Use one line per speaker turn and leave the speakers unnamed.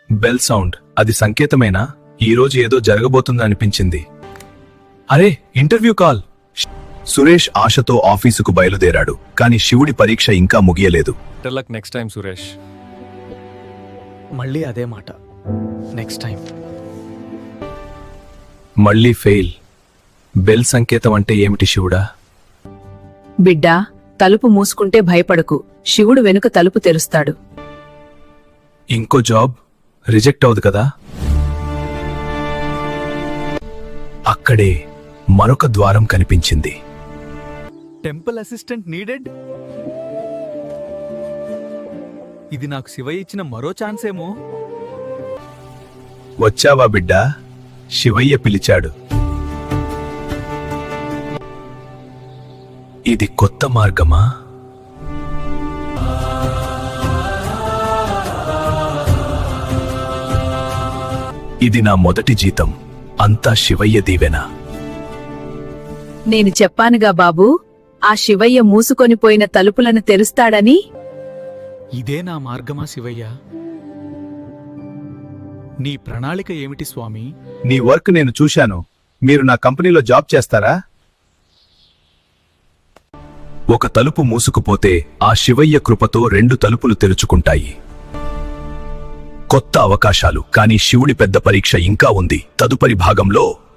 Bell sound. అది సంకేతమేనా? ఈరోజు ఏదో జరగబోతుందనిపించింది. అరే, ఇంటర్వ్యూ కాల్. సురేష్ ఆశతో ఆఫీసుకు బయలుదేరాడు. కాని శివుడి పరీక్ష ఇంకా ముగియలేదు.
Better luck next time Suresh.
మళ్ళీ అదే మాట, నెక్స్ట్ టైం.
మళ్ళీ ఫెయిల్. బెల్ సంకేతం అంటే ఏమిటి శివుడా?
బిడ్డా, తలుపు మూసుకుంటే భయపడకు, శివుడు వెనుక తలుపు తెరుస్తాడు.
ఇంకో జాబ్ రిజెక్ట్ అవుదు కదా? అక్కడే మరొక ద్వారం కనిపించింది.
Temple assistant needed. ఇది నాకు శివయ్య ఇచ్చిన మరో ఛాన్స్ ఏమో.
వచ్చావా బిడ్డా? శివయ్య పిలిచాడు. ఇది కొత్త మార్గమా? ఇది నా మొదటి జీతం. అంతా శివయ్య దీవెన.
నేను చెప్పానుగా బాబూ, ఆ శివయ్య మూసుకొనిపోయిన తలుపులను తెరుస్తాడని.
ఇదే నా మార్గమా శివయ్య? నీ ప్రణాళిక ఏమిటి స్వామి?
నీ వర్క్ నేను చూశాను. మీరు నా కంపెనీలో జాబ్ చేస్తారా? ఒక తలుపు మూసుకుపోతే ఆ శివయ్య కృపతో 2 తలుపులు తెరుచుకుంటాయి. కొత్త అవకాశాలు. కానీ శివుడి పెద్ద పరీక్ష ఇంకా ఉంది. తదుపరి భాగంలో